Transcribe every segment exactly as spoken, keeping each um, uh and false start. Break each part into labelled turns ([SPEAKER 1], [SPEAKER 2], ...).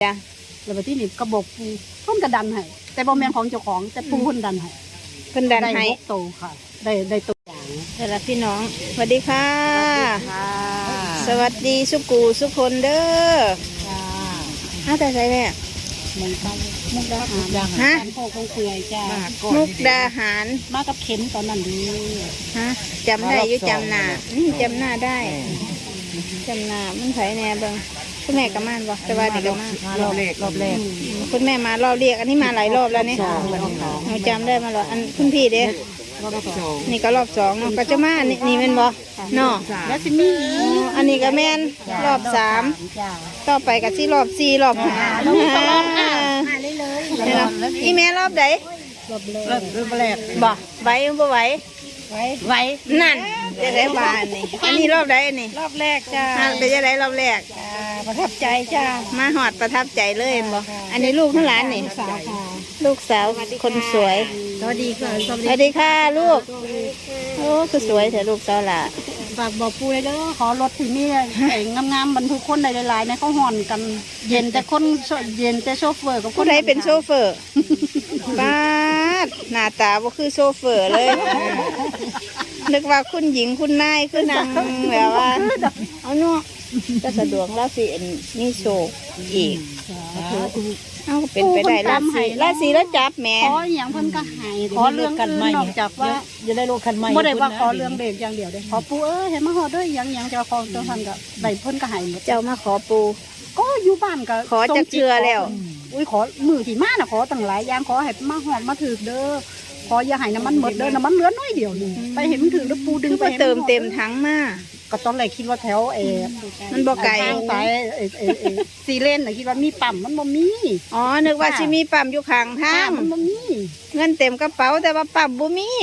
[SPEAKER 1] จ้ะ
[SPEAKER 2] แล้วที่นี่กระบอกปูเพิ่นกระดันให้แต่บ่แม่นของเจ้าของแต่ปูเพิ่นดันให้
[SPEAKER 1] เพิ่นดันให้
[SPEAKER 2] ได้โตค่ะได้ได้ตัวอย่าง
[SPEAKER 1] แต่ละพี่น้องสวัสดีค่ะสวัสดีสุกูสุคนเด้อ
[SPEAKER 2] จ้า
[SPEAKER 1] ฮะแต่ใส่แม่
[SPEAKER 2] มันไปมุกดาหาร
[SPEAKER 1] ฮะ
[SPEAKER 2] โคกเปื่อยจ้า
[SPEAKER 1] มุกดาหาร
[SPEAKER 2] มากับเข็มตอนนั้นดี
[SPEAKER 1] ฮะจำได้อยู่จำหน้าจำหน้าได้จำหน้ามันไผแน่เบิ่งคุณแม่กับม่านบ่แต่ว่านี่ก็มาร
[SPEAKER 2] อบแรกรอบแรก
[SPEAKER 1] คุณแม่มารอบเรียกอันนี้มาหลายรอบแล้วนี่เราจำได้มาหรออันคุณพี่เด้นี่ก็รอบสองเนาะก็จะมานี่นี่แม่นบ่เนาะ
[SPEAKER 2] แล้วสิมี
[SPEAKER 1] อันนี้ก็แม่นรอบสามต่อไปก็สิรอบสี่รอบห้า
[SPEAKER 2] เราตลอดอ่ะหาเลยเลย
[SPEAKER 1] อีแม่รอบใด
[SPEAKER 2] รอบแรกรอบแรก
[SPEAKER 1] บ่ไหวบ่ไหว
[SPEAKER 2] ไหวไหว
[SPEAKER 1] นั่นจะได้บานนี่อันนี้รอบใดอันนี้
[SPEAKER 2] รอบแรกจ้า
[SPEAKER 1] เป็นจะได้รอบแรก
[SPEAKER 2] ประทับใจจ้า
[SPEAKER 1] มาหอดประทับใจเลยบ่อันนี้ลูกทั้งหลานนี่
[SPEAKER 2] สาวค่ะ
[SPEAKER 1] ลูกสาวคนสวย
[SPEAKER 2] สวัสดีค่ะ
[SPEAKER 1] สวัสดีค่ะลูกโอ้คือสวยแต่ลูกสาวล่ะ
[SPEAKER 2] ฝากบอกปูเลยเด้อขอรถที่นี่ไอ้งามๆบรรทุกคนในหลายๆในเขาห่อนกันเย็นแต่คนเย็นแต่โชเฟอร์กับ
[SPEAKER 1] คนใดเป็นโชเฟอร์บ้าหน้าตาบ่คือโชเฟอร์เลยนึกว่าคุณหญิงคุณนายคือนางแบบว่าเอาเนาะจะสะดวกแล้วสิมีโชคอีกเอาเป็นไปได้ราศีราศีแล้วจับแม่
[SPEAKER 2] ขออย่างเพิ่นก็หายขอเรื่องกันนอกจากว่า
[SPEAKER 3] จะได้โลคันใหม่
[SPEAKER 2] บ่ได้ว่าขอเรื่องเด็กอย่างเดียวเด้ขอปูเอ้ยเห็นมาฮอดเด้ออย่างอย่างเจ้าของเจ้าท่านก็ได้เพิ่นก็หายหมด
[SPEAKER 1] เจ้ามาขอปู
[SPEAKER 2] ก็อยู่บ้านก็
[SPEAKER 1] ขอจักเชื่อแล้ว
[SPEAKER 2] อุ้ยขอมือที่มาน่ะขอตั้งหลายอย่างขอให้มาฮอดมาถึกเด้อขออย่าให้น้ำมันหมดเด้อน้ำมันเหลือน้อยเดียวนึงไปเห็นมันถึงแล้วปูดึง
[SPEAKER 1] ไปเติมเต็มถังมา
[SPEAKER 2] ก็ตอนแรกคิดว่าแถวเอ
[SPEAKER 1] มันบ่ไกล
[SPEAKER 2] สายเอเอเอซีเลนน่ะคิดว่ามีปั๊มมันบ่มี
[SPEAKER 1] อ๋อนึกว่าสิมีปั๊มอยู่ข้างทาง
[SPEAKER 2] มันบ่มี
[SPEAKER 1] เงินเต็มกระเป๋าแต่ว่าปั๊มบ่มี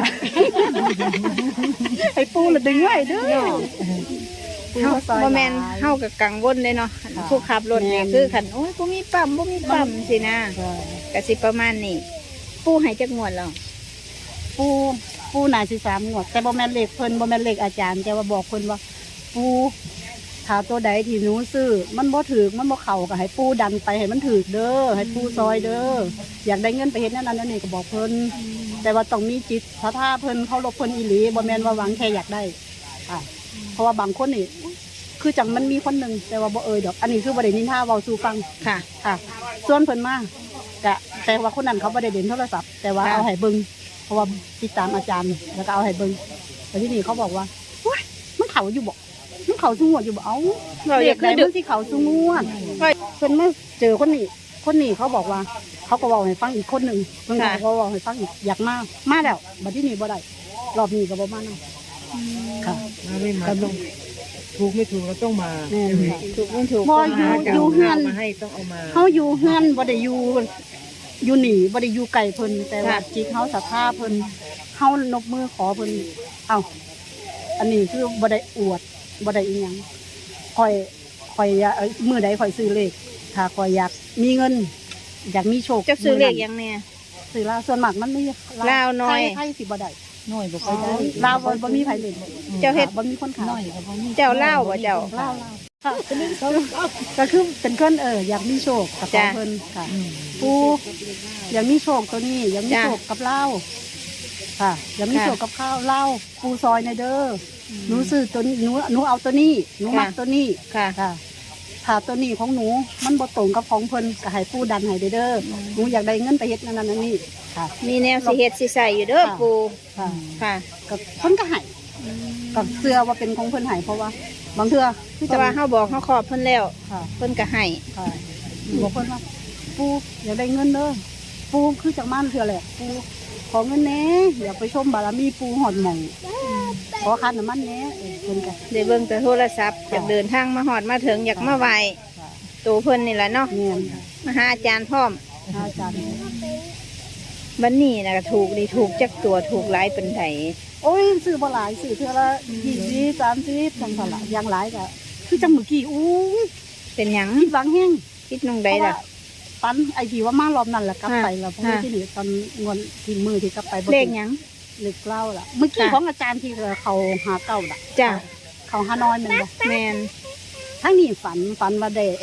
[SPEAKER 2] ไอ้ปูละดึงไว้เด้อ
[SPEAKER 1] บ่แม่นเฮาก็กังวลเลยเนาะผู้ขับรถนี่คือคันโอ้ยบ่มีปั๊มบ่มีปั๊มสินะก็สิประมาณนี้ปูให้จักงวดแล้ว
[SPEAKER 2] ปูปูน่าสิสามงวดแต่บ่แม่นเลขเพิ่นบ่แม่นเลขอาจารย์แต่ว่าบอกเพิ่นว่าปูถ้าตัวใดที่หนูซื้อมันบ่ถูกมันบ่เข้าก็ให้ปูดันไปให้มันถูกเด้อให้ปูซอยเด้ออยากได้เงินไปเฮ็ดนั่นนั่นนี่ก็บอกเพิ่นแต่ว่าต้องมีจิตศรัทธาเพิ่นเคารพเพิ่นอีหลีบ่แม่นว่าหวังแค่อยากได้อ่ะเพราะว่าบางคนนี่คือจังมันมีคนนึงแต่ว่าบ่เอ่ยดอกอันนี้คือบ่ได้นินทาเว้าสู่ฟัง
[SPEAKER 1] ค่ะ
[SPEAKER 2] ค่ะส่วนเพิ่นมาก็แต่ว่าคนนั้นเขาบ่ได้เด่นโทรศัพท์แต่ว่าเอาให้เบิ่งเพราะว่าติดตามอาจารย์แล้วก็เอาให้เบิ่งแต่ที่นี่เขาบอกว่าว้ายมันเขาอยู่บ่มันเขาสูงวดอยู่บ่เอ้าเด็กไหนมันที่เขาสูงวดเพิ่นมาเจอคนนี้คนนี้เขาบอกว่าเขาก็บอกให้ฟังอีกคนหนึ่งเพิ่นก็บอกให้ฟังอีกอยากมามาแล้วบัดที่นี่บ่ได้รอบนี้ก็บ่มาเนาะค่ะ
[SPEAKER 3] ไม่มาต้องถูกไม่ถูกเราต้องมา
[SPEAKER 1] ถูกไม่ถูก
[SPEAKER 2] บ่อยู่อยู่เฮือน
[SPEAKER 3] มาให้ต้องเอามา
[SPEAKER 2] เฮาอยู่เฮือนบ่ได้อยู่อยู่หนีบ่ได้อยู่ไกลเพิ่นแต่ว่าจิตเฮาศรัทธาเพิ่นเฮานบมือขอเพิ่นเอ้าอันนี้คือบ่ได้อวดบ่ได้อีหยังข่อยข่อยมื้อใดข่อยซื้อเลขถ้าข่อยอยากมีเงินอยากมีโชค
[SPEAKER 1] จะซื้อเลขยังแน่
[SPEAKER 2] ซื้อลาวส่วนมากมันมี
[SPEAKER 1] ลาวน้อย
[SPEAKER 2] ไผสิบ่ได้น้อยบ่ค่อยได้ลาวบ่มีไผเล่น
[SPEAKER 1] เจ้าเฮ็ด
[SPEAKER 2] บ่มีคนขายน้อย
[SPEAKER 1] ก็บ่มีเจ้าลาวบ่เจ้า
[SPEAKER 2] ลาวๆค่ะก็คือเป็นคนเอออยากมีโชคกับเพิ่นค่ะปูอยากมีโชคตัวนี้อยากมีโชคกับเล่าค่ะอยากมีโชคกับข้าวเล่าปูซอยในเด้อหนูซื้อตัวนี้หนูหนูเอาตัวนี้หนูมักตัวนี้
[SPEAKER 1] ค่ะ
[SPEAKER 2] ค่ะถ้าตัวนี้ของหนูมันบ่ตรงกับของเพิ่นก็ให้ปูดันให้เด้อหนูอยากได้เงินไปเฮ็ดนั่นนั่นนี่ค่ะ
[SPEAKER 1] มีแนวสิเฮ็ดสิใส่อยู่เด้อปู
[SPEAKER 2] ค่ะ
[SPEAKER 1] ค่ะ
[SPEAKER 2] ก็เพิ่นก็ให้ก็เชื่อว่าเป็นของเพิ่นให้เพราะว่าบางเทื่อ
[SPEAKER 1] แต่ว่าเฮาบอกเฮาขอบเพิ่นแล้วเพิ่นก็ให้
[SPEAKER 2] ค่ะบอกเพิ่นว่าปูอยากได้เงินเด้อปูคือจากม่านเทื่อแหละปูขอเงินแหน่อยากไปชมบารมีปูหอดหม่องขอค่าน้ำมันแหน่เพิ่นก็
[SPEAKER 1] ได้เบิ่งแต่โทรศัพท์อยากเดินทางมาฮอดมาถึงอยากมาไหว้ตัวเพิ่นนี่แหละเนาะมาหาอาจารย์พร้อม
[SPEAKER 2] อาจารย์
[SPEAKER 1] บัดนี้น่ะก็ถูกดีถูกจักตัวถูกหลายปานใด
[SPEAKER 2] โอ้ยซื้อบ่หลายซื้อเทื่อละยี่สิบ สามสิบจังซั่นล่ะอย่างหลายก็คือจังเมื่อกี้อู้ย
[SPEAKER 1] เป็นหยัง
[SPEAKER 2] คิดหวังแฮง
[SPEAKER 1] คิดนงใดล่ะ
[SPEAKER 2] ปันไอ้ที่ว่ามารอบนั้นล่ะกลับไปแล้วเพราะที่นี่ตอนงอนที่มือที่กลับไป
[SPEAKER 1] บ่เลขหยัง
[SPEAKER 2] เลขเล่าล่ะเมื่อกี้ของอาจารย์ที่เขาหาเก่าล่ะ
[SPEAKER 1] จ้ะ
[SPEAKER 2] เขาหาน้อยแม่นบ่
[SPEAKER 1] แม่น
[SPEAKER 2] ทั้งนี้ฝันฝันว่าได้ไอ้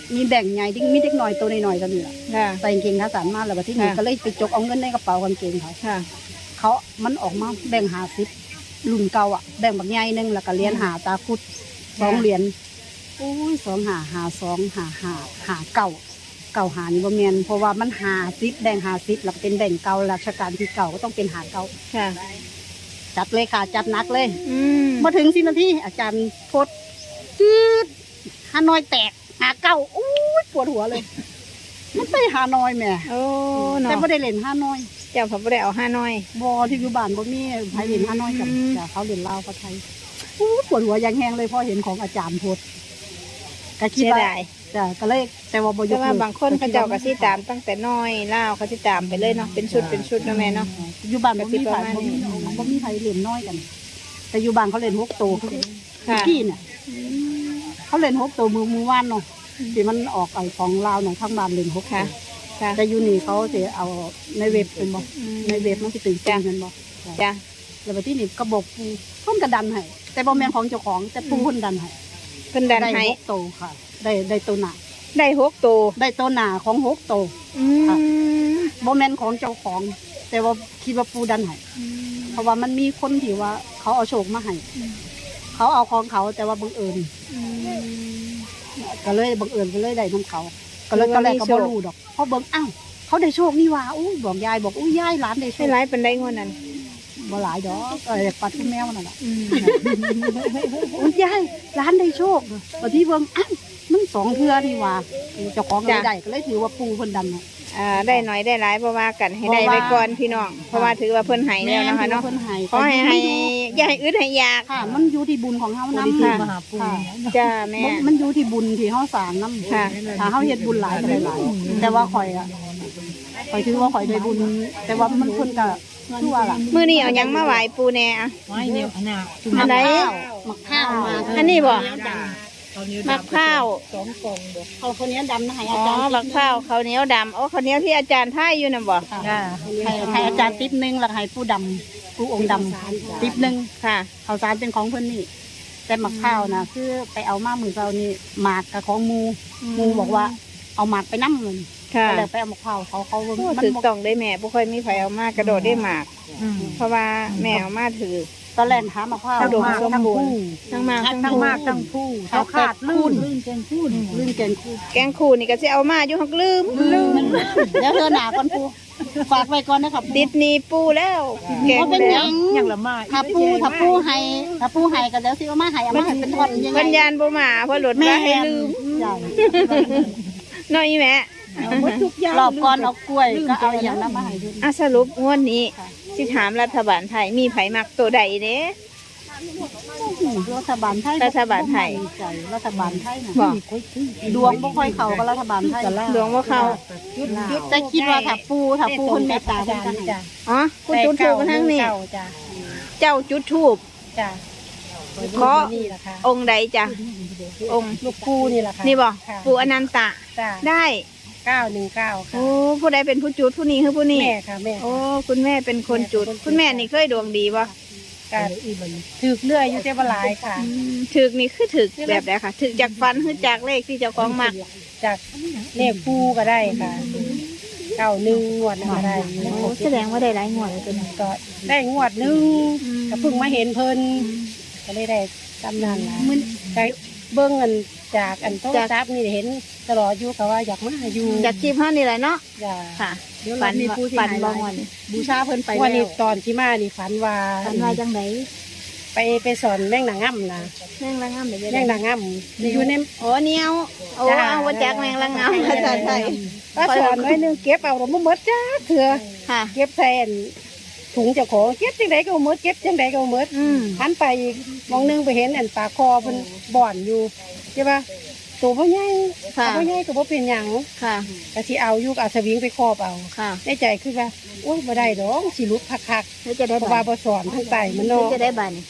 [SPEAKER 2] มีแบ่งใหญ่ที่มีเด็กน้อยตัวน้อยๆกันนี่ล่ะ
[SPEAKER 1] ค่ะ
[SPEAKER 2] ใส่กางเกงขาสั้นมาแล้วบัดที่นี่
[SPEAKER 1] ค่ะ
[SPEAKER 2] ก็เลยไปจกเอาเงินในกระเป๋ากางเกงเขา
[SPEAKER 1] ค่ะ
[SPEAKER 2] เขามันออกมาแบ่งหาสิบรุ่นเก่าอ่ะแบ่งบักใหญ่หนึงแล้วก็เหรียญหาตาคุดสองเหรียญโอ้ยสองหาหาสองหาหาหาเก่าเก่าหานี่บ่แม่นเพราะว่ามันหาสิบแบ่งหาสิบแล้วก็เป็นแบ่งเก่าราชการที่เก่าก็ต้องเป็นหาเก่า
[SPEAKER 1] ค่ะ
[SPEAKER 2] จัดเลยค่ะจัดหนักเลย
[SPEAKER 1] อืม
[SPEAKER 2] มาถึงสินาทีอาจารย์โพดจี๊ดฮานอยแตกหาเก่าอู้ยปวดหัวเลย มันไปฮานอยแหม่
[SPEAKER 1] โอ้เนาะ
[SPEAKER 2] แต่ไม่ได้เล่นฮานอย
[SPEAKER 1] เจ้าเขาบ่ได้เอาห้าน้อย
[SPEAKER 2] บอที่อยู่บ้านบ่มีไผเล่นฮานอยกัน
[SPEAKER 1] อืม
[SPEAKER 2] แต่เขาเล่นลาวกับไทยอู้ปวดหัวอยังแห้งเลยพอเห็นของอาจารย์โพดก็คิด
[SPEAKER 1] เสีย
[SPEAKER 2] ว่า
[SPEAKER 1] ดาย
[SPEAKER 2] จ้ะก็เลยแต่ว่าบ่ย
[SPEAKER 1] แต่
[SPEAKER 2] ก
[SPEAKER 1] ว่า
[SPEAKER 2] เลิก
[SPEAKER 1] บางคนเขาเจ้าก็สิตามตั้งแต่น้อยล่าวเขาสิตามไปเลยเนาะเป็นชุดเป็นชุดเนาะแม่เนาะ
[SPEAKER 2] อยู่บ้านบ่มีไผ
[SPEAKER 1] ก็สิประมาณ
[SPEAKER 2] บ่
[SPEAKER 1] นี้
[SPEAKER 2] มีบ่มีไผเล่นน้อยกัน แต่อยู่บ้านเขาเล่นหกโตคือ
[SPEAKER 1] ค่ะ
[SPEAKER 2] กี้เนี่ยเขาเล่นหกโตมือมือว่านเนาะที่มันออกไอ้ของลาวหน่อยข้างบ้านเล่นหกโต
[SPEAKER 1] ค่ะ ค่ะ
[SPEAKER 2] แต่อยูนี่เขาจะเอาในเว็บเป็นบ่
[SPEAKER 1] อืม
[SPEAKER 2] ในเว็บมันสิตื่น
[SPEAKER 1] จ้ะ
[SPEAKER 2] เต้นเป็นบ่
[SPEAKER 1] จ้ะ
[SPEAKER 2] แล้วไปที่นี่ก็บอกปูต้นกระดันให้แต่บ่แม่นของเจ้าของแต่ปูคนดันให้
[SPEAKER 1] เพิ่นดันให้
[SPEAKER 2] หกโตค่ะ ได้ได้ตัวหนา
[SPEAKER 1] ได้หกตัว
[SPEAKER 2] ได้ตัวหนาของหกโต
[SPEAKER 1] อืม
[SPEAKER 2] บ่แม่นของเจ้าของ แต่ว่าคิดว่าปูดันให้เพราะว่ามันมีคนที่ว่าเขาเอาโชคมาให้เขาเอาของเขาแต่ว่าบังเอิญก็เลยบังเอิญก็เลยได้น้ำเขาก็เลยตอนแรกก็บ่รู้ดอกเพราะเบิ่งอ้าวเขาได้โชคนี่หว่าอู้บอกยายบอกอู้ยายหลานได้โช
[SPEAKER 1] ให้
[SPEAKER 2] ค
[SPEAKER 1] ร้ายเป็นได้งวดนั้น
[SPEAKER 2] บ่หลายดอกเออปัดทุ่แมวนั่นแหละ
[SPEAKER 1] อืม
[SPEAKER 2] โอ้ยยายร้านได้โชคพอที่เบิ่งอ้าวมันสองเทื่อนี่หว่าเจ้าของก็เลยได้ก็เลยถือว่าปูเพิ่นดันเนาะ
[SPEAKER 1] อ่าได้น้อยได้ร้ายเพราะว่ากันให้ได้ไว้ก่อนพี่น้องเพราะว่าถือว่าเพิ่นให้แล้วนะคะเนาะ
[SPEAKER 2] แม่ถือว่เพิ่นให้
[SPEAKER 1] ขอให้ให้อย่าให้อึดให้ยาก
[SPEAKER 2] ค่ะ มันอยู่ที่บุญของเฮา
[SPEAKER 3] บ
[SPEAKER 2] นำ
[SPEAKER 3] ริสุท
[SPEAKER 2] ค่ะ
[SPEAKER 3] ธิ์มหาปู
[SPEAKER 2] ค่ะ
[SPEAKER 1] จ้าแม่
[SPEAKER 2] มันมันอยู่ที่บุญที่เฮาสร้างนำ
[SPEAKER 1] ค่ะ
[SPEAKER 2] ถ้าเฮาเฮ็ดบุญหลายก็ได้หลายแต่ว่าข่อยอ่ะข่อยถือว่าข่อยได้บุญ แต่ว่ามันเพิ่นก็คือว่าล่ะ
[SPEAKER 1] มื้อนี้เอาหยังมาไหว้ปูแน่อะ
[SPEAKER 3] ไม่เนี่ยอันน่ะจุ่ม
[SPEAKER 1] อันไหน
[SPEAKER 2] มะข้าวมา
[SPEAKER 1] อันนี้บ่
[SPEAKER 3] ตอนนี้
[SPEAKER 1] มะพร้าว
[SPEAKER 3] สองกล่องบ่
[SPEAKER 2] เอาคนนี้ดำนะให้
[SPEAKER 1] อ๋
[SPEAKER 2] อา
[SPEAKER 1] อ
[SPEAKER 2] จารย์
[SPEAKER 1] บักพร้าวข้าวเหนียวดำโอ้ข้าวเหนียวที่อาจารย์ท่ายอยู่น่ะบ่
[SPEAKER 2] ค่ะให้ให้อาจารย์ติ๊บหนึงแล้วก็ให้ผู้ดำผู้องค์ดำติ๊บหนึง
[SPEAKER 1] ค่ะ
[SPEAKER 2] ข้าวสารเป็นของเพิ่นนี่ แต่หมักข้าวนะคือไปเอามามือเรานี่หมากกับของหมูหมูบอกว่า เอาหมากไปน้ำเงิน
[SPEAKER 1] ค่ะ
[SPEAKER 2] ก็เลยไปเอาหมักข้าวเขาเขา
[SPEAKER 1] โอ้
[SPEAKER 2] มั
[SPEAKER 1] ถือ
[SPEAKER 2] บอก
[SPEAKER 1] ต้องได้แม่บ่ค่อยมีไผเอามากระโดดได้หมาก
[SPEAKER 3] อืม
[SPEAKER 1] เพราะว่าแม่เอามาถือ
[SPEAKER 2] ตอนแรกหาหมักข้าว
[SPEAKER 1] อุดม
[SPEAKER 2] หาก
[SPEAKER 1] สมบูรณ์ ทั้งมากทั้ง
[SPEAKER 2] ทั้ง
[SPEAKER 1] คู่
[SPEAKER 2] มากทั้งผู้เขาขาดลื่น
[SPEAKER 3] ลื่นแกงพูด
[SPEAKER 2] ลื่นเกนคู่
[SPEAKER 1] แกงคู่นี่ก็สิเอามาอยู่ฮักลืม
[SPEAKER 2] ลืมเดี๋ยวเธอหนาก่อนปูฝากไว้ก่อนนะครับ
[SPEAKER 1] ติดหนีปูแล้วแกง
[SPEAKER 2] เพราะเป็นห
[SPEAKER 1] แล้
[SPEAKER 2] ยั
[SPEAKER 1] ว
[SPEAKER 2] ง
[SPEAKER 3] อย่างละมา
[SPEAKER 2] ถ้าปูถ้าปูให้ถ้าปูให้ก็เดี๋ยวสิเอามาให้เอามาให้เป็นท่อนยังไง
[SPEAKER 1] ปัญญาณบ่มาเพราะหลุดว่าให้ลืม
[SPEAKER 2] ใช่
[SPEAKER 1] น้อยแม่
[SPEAKER 2] รอบก่อนเอากล้วยก็เอาอย่างนั้นมาให้ดู
[SPEAKER 1] อ่ะสรุปงวดนี้สิถามรัฐบาลไทยมีไผมักตัวใดเด้
[SPEAKER 2] รัฐบาลไทย
[SPEAKER 1] รัฐบาลไทย
[SPEAKER 2] บ่มั่นใจรัฐบาลไทยน่ะ
[SPEAKER 1] บอก
[SPEAKER 2] ดวงบ่ค่อยเข้ากับรัฐบาลไทย
[SPEAKER 1] หลวงว่าเขา
[SPEAKER 2] แต่คิดว่าถ้าปูถ้าปูคนเมตตาเพิ่นจะให้
[SPEAKER 3] จ้ะ
[SPEAKER 1] อ๋อคุณจุดทูบมาทั้งนี้
[SPEAKER 3] จ้ะ
[SPEAKER 1] เจ้าจุดทูบ
[SPEAKER 3] จ้ะ
[SPEAKER 1] ขอ
[SPEAKER 3] นี่แหละค่ะ
[SPEAKER 1] องค์ใดจ้ะองค์
[SPEAKER 3] ลูกปูนี่แหละค่ะ
[SPEAKER 1] นี่บ่
[SPEAKER 3] ค่ะ
[SPEAKER 1] ปู่อนันตะ
[SPEAKER 3] จ้ะ
[SPEAKER 1] ได้
[SPEAKER 3] เก้าหนึ่งเก้าค่ะ
[SPEAKER 1] โอ้ผู้ใดเป็นผู้จุดผู้นี้คือผู้นี้
[SPEAKER 3] แม่ค่ะแม่
[SPEAKER 1] โอ้คุณแม่เป็นคนจุด คุณแม่นี่เคยดวงดีป่ะ
[SPEAKER 3] การถือเลื่อยอยู่เจ้าบหลายค่ะ
[SPEAKER 1] ถึกนี่คือถึกแบบไหนคะถึกจากฟันคือจากเลขที่เจ้าของมัก
[SPEAKER 3] จากเลขปูก็ได้ค่ะเก้าหนึ่งงวดก็ได้
[SPEAKER 1] โอ้แสดงว่าได้หลายงวดเลยตัวนี้
[SPEAKER 3] ก็ได้งวดหนึ่งก็เพิ่งมาเห็นเพิ่นก็เลยได้ตำนานละมันไปเบิ้งเงินจากอันโทรศัพท์นี่เห็นตลอดอยู่ก็ว่าอยากมาอยู่
[SPEAKER 1] จากคลิปเท่านี่แหละเนาะ
[SPEAKER 3] จ้ะ
[SPEAKER 1] ค่ะ
[SPEAKER 2] เดี๋ยว
[SPEAKER 1] ฟั
[SPEAKER 2] เรา
[SPEAKER 1] น
[SPEAKER 2] มีผู้ที่
[SPEAKER 1] ฟัน
[SPEAKER 2] หาย
[SPEAKER 1] บา
[SPEAKER 2] หลาง
[SPEAKER 1] วัน
[SPEAKER 2] ยบูชาเพิ่นไป
[SPEAKER 3] วันนี้
[SPEAKER 2] แล้ว
[SPEAKER 3] ตอนที่มานี่ฝันว่า
[SPEAKER 1] ฟันว่าจังไหน
[SPEAKER 3] ไปไปสอนแม่งนางง่ำนะ
[SPEAKER 1] แมงละงามเดี๋ยว
[SPEAKER 3] แม่งนางง่ำอยู่ใน
[SPEAKER 1] โอ้เนียวโอ้
[SPEAKER 3] จ้ะ
[SPEAKER 1] เอาว่าจากแมงละงามภาษาไทย
[SPEAKER 3] ป้าสอนไว้หนึงเก็บเอาแล้วบ่หมดจ้าเถื่อ
[SPEAKER 1] ค่ะ
[SPEAKER 3] เก็บแทนถุงเจ้าของเก็บจังไดก็บ่หมดเก็บจังไดก็บ่หมด
[SPEAKER 1] อืม
[SPEAKER 3] หันไปอีกมองหนึงไปเห็นอันปากคอเพิ่นบ่อนอยู่ใช่ปะตัวบ่ใหญ่
[SPEAKER 1] ค่ะ
[SPEAKER 3] ตัวบ่ใหญ่ก็บ่เป็นหยัง
[SPEAKER 1] ค่ะ
[SPEAKER 3] ก็สิเอาอยู่ก็เอาสวิงไปครอบเอา
[SPEAKER 1] ค่ะ
[SPEAKER 3] ในใจคือว่าโอ้ยบ่ได้ดอกสิหลุดคัก
[SPEAKER 1] แล้วจะ
[SPEAKER 3] ๆ
[SPEAKER 1] ได้
[SPEAKER 3] เพราะ
[SPEAKER 1] บั
[SPEAKER 3] ว่า
[SPEAKER 1] ตร
[SPEAKER 3] บ่สอนทั้งไตมัน
[SPEAKER 1] แล้ว
[SPEAKER 3] เนาะ
[SPEAKER 1] จะได้บัตรนี่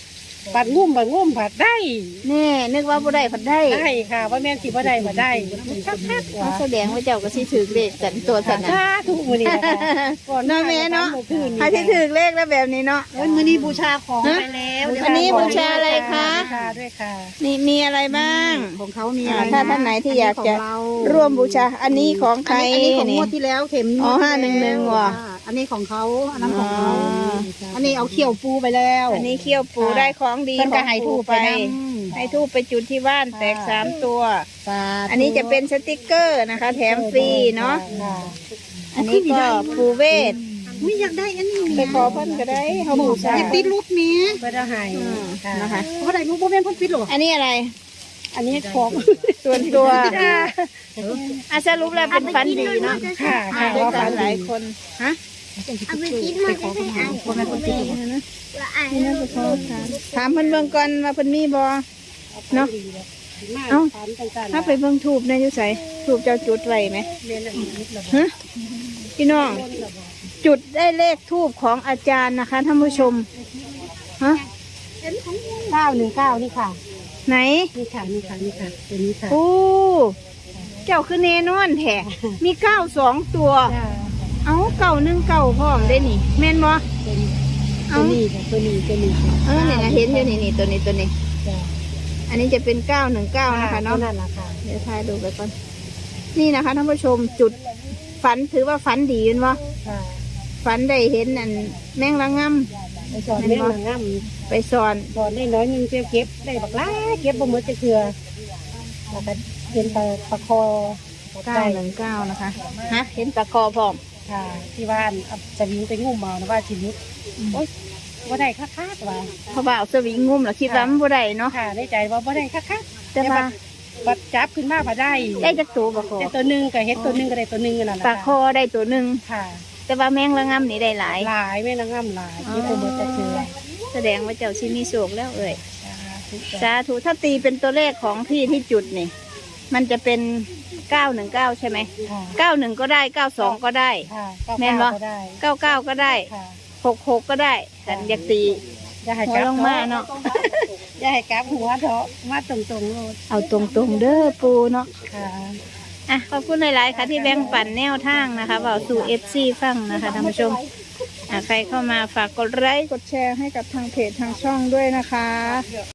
[SPEAKER 3] บัดงุ่มบัดงุ่มบัดได้
[SPEAKER 1] แน่นึกว่าบ่ได้ผัดได้
[SPEAKER 3] ได้ค่ะว่าแม่นสิบ่ได้บ่ได้คักๆ
[SPEAKER 1] เขา
[SPEAKER 3] ว่า
[SPEAKER 1] แสดงว่าเจ้าก็สิถือเลขกันตัวสันน่ะ
[SPEAKER 3] สาธุมื้อนี้นะคะก่อน
[SPEAKER 1] เนาะแม่เนาะใครที่ถือเลขแล้วแบบนี้เนาะ
[SPEAKER 2] เอ้ยมื้อนี้บูชาของไปแล้ว
[SPEAKER 1] อันนี้บูชาอะไรคะ
[SPEAKER 3] บูชาด้วยค่ะ
[SPEAKER 1] นี่มีอะไรบ้าง
[SPEAKER 2] ของเขามี
[SPEAKER 1] อ่า
[SPEAKER 2] อะไร
[SPEAKER 1] ถ้าท่านไหนที่อยากจะ
[SPEAKER 2] นนี้ของเ
[SPEAKER 1] ร่วมบูชา อันนี้ของใคร
[SPEAKER 2] อันนี้ของง
[SPEAKER 1] นี่
[SPEAKER 2] วดที่แล้วเข็ม
[SPEAKER 1] อ๋อ
[SPEAKER 2] วดที่
[SPEAKER 1] ห้าหนึ่งหนึ่งว่ะ
[SPEAKER 2] อ่าอันนี้ของเขาอันนั้นของเขา
[SPEAKER 1] อ๋อ
[SPEAKER 2] อันนี้เอาเขี้ยวปูไปแล้ว
[SPEAKER 1] อันนี้เขี้ยวปูได้ของดี
[SPEAKER 2] เพิ่น
[SPEAKER 1] ข
[SPEAKER 2] ก็
[SPEAKER 1] อง
[SPEAKER 2] ให้
[SPEAKER 1] ปู
[SPEAKER 2] ทูบ
[SPEAKER 1] ไป
[SPEAKER 2] ไปน
[SPEAKER 1] ให้ทูบไปจุดที่บ้านแตกสามตัว
[SPEAKER 2] สาธุ
[SPEAKER 1] อันนี้จะเป็นสติกเกอร์นะคะ แถมฟรีเนาะ
[SPEAKER 3] ค่ะ
[SPEAKER 1] อันนี้ก็ปูเวท
[SPEAKER 2] ไม่อยากได้อันนี้
[SPEAKER 1] ไปขอเพิ่นก็ได้เขาบูชา
[SPEAKER 2] อยากติดรูปนี้
[SPEAKER 3] เพื่อจะให้ค่ะ
[SPEAKER 1] นะคะ
[SPEAKER 2] เพราะอะไรรูปโบแม่นเพ่นปิดหรอ
[SPEAKER 1] อันนี้อะไร
[SPEAKER 3] อันนี้ของ
[SPEAKER 1] ส่วนตัวอาสรุปแล้วเป็นฟันดีเนาะ
[SPEAKER 3] ค่ะ
[SPEAKER 1] มา
[SPEAKER 3] ค่ะ
[SPEAKER 1] ด้วย
[SPEAKER 3] ว่า
[SPEAKER 1] กั
[SPEAKER 3] ฝั
[SPEAKER 1] น
[SPEAKER 3] น
[SPEAKER 1] หลาย
[SPEAKER 3] ดี
[SPEAKER 1] คนฮะ
[SPEAKER 2] เอาไปกินมาจะให้อ่านโบแม่นเพ่นปิด
[SPEAKER 1] นี่นะนี่นะไปขอถามถามเพิ่นเบิ่งก่อนว่าเพิ่นมีบ่เนาะ เอ้า ถ้าไปเบิ่งทูบในอยู่ไสทูบเจ้าจุดไว้ไหมฮะพี่น้อง จุดได้เลขทูบของอาจารย์นะคะท่านผู้ชมฮะ
[SPEAKER 3] เก้าหนึ่งเก้านี่ค่ะ
[SPEAKER 1] ไหน
[SPEAKER 3] นี่ค่ะนี่ค่ะนี่ค่ะตัวนี้ค่ะ
[SPEAKER 1] โอ้เจ้าคือเนนอนแท้มีเก้าสองตัว
[SPEAKER 3] จ้า
[SPEAKER 1] เอาเก่าหนึ่งเก่าพร้อมได้นี่ แม่นบ่
[SPEAKER 3] ตัวนี้
[SPEAKER 1] เอา
[SPEAKER 3] ตัวนี้ค่ะตัวนี้ตัวนี้ค่ะ
[SPEAKER 1] เออเนี่ยนะเห็นอยู่นี่นี่ตัวนี้ตัวนี้
[SPEAKER 3] จ้า
[SPEAKER 1] อันนี้จะเป็นเก้าหนึ่งเก้านะคะเนาะ
[SPEAKER 3] ตัวนั่นแหละค่ะ
[SPEAKER 1] เดี๋ยวถ่ายดูไปก่อนนี่นะคะท่านผู้ชมจุดฝันถือว่าฝันดีนวะ
[SPEAKER 3] ค่ะ
[SPEAKER 1] ฝันได้เห็นอันแมงละง
[SPEAKER 3] ไปสอนแม่นางงาม
[SPEAKER 1] ำไปสอน
[SPEAKER 3] สอนได้น้อยหนึงเก็บเก็บได้บักหล้าเก็บบ่หมดจะเถื่อแล้วก็เห็นปลาปลาคอปลา
[SPEAKER 1] เก้า
[SPEAKER 3] ไก่
[SPEAKER 1] หนึ่งเก้านะคะฮะเห็นตะคอพร้อม
[SPEAKER 3] ค่ะ ที่บ้านเอาจะวิ่งไปงุ่มเอานะว่าชีวิตโอ๊ยว่าได้ค่าๆว่า
[SPEAKER 1] เพราะว่าเอาสวิงงุ่มแล้วคิดว่ามันบ่ได้เนาะ
[SPEAKER 3] ค่ะได้ใจว่าว่าได้ค่าๆ
[SPEAKER 1] แต่ว่า
[SPEAKER 3] บัดจับขึ้นมาพอได้
[SPEAKER 1] ได้จักตัวบ่คอ
[SPEAKER 3] ได้ตัวหนึ่งก็เห็ดตัวหนึ่งก็ได้ตัวหนึ่งนั่นแหละ
[SPEAKER 1] ปลาคอได้ตัวหนึ่ง
[SPEAKER 3] ค่ะ
[SPEAKER 1] แต่ว่าแมงละงำนี่ได้หลาย
[SPEAKER 3] หลายแม่นางงามหลายที่ตัวเบิดจะเถื่อ
[SPEAKER 1] แสดงว่าเจ้าชิมีโศกแล้วเอ่ย
[SPEAKER 3] ทุก
[SPEAKER 1] สาธุถ้าตีเป็นตัวเลขของพี่ที่จุดนี่ มันจะเป็นเก้าหนึ่งเก้าใช่ไหม
[SPEAKER 3] ค่ะ
[SPEAKER 1] เก้าหนึ่งก็ได้เก้าสองก็ได้
[SPEAKER 3] ค่ะ
[SPEAKER 1] แม่นบ่
[SPEAKER 3] ก็ได้
[SPEAKER 1] เก้าเก้าก็ได้
[SPEAKER 3] ค่ะ
[SPEAKER 1] หกหกก็ได้แต่อยากตี
[SPEAKER 3] อย่าให้
[SPEAKER 1] หั
[SPEAKER 3] ก
[SPEAKER 1] ว
[SPEAKER 3] ลับ
[SPEAKER 1] ลงมาเนาะ
[SPEAKER 3] อย่าให้กลับหัวเถาะมาตรงๆโลด
[SPEAKER 1] เอาตรงๆเด้อปูเนาะ
[SPEAKER 3] ค่ะ
[SPEAKER 1] อ่ะขอบคุณหลายๆค่ะที่แบ่งปันแนวทางนะคะเบาสู่เอฟซีฟังนะคะท่านผู้ชมอ่ะใครเข้ามาฝากกดไลค์กดแชร์ให้กับทางเพจทางช่องด้วยนะคะ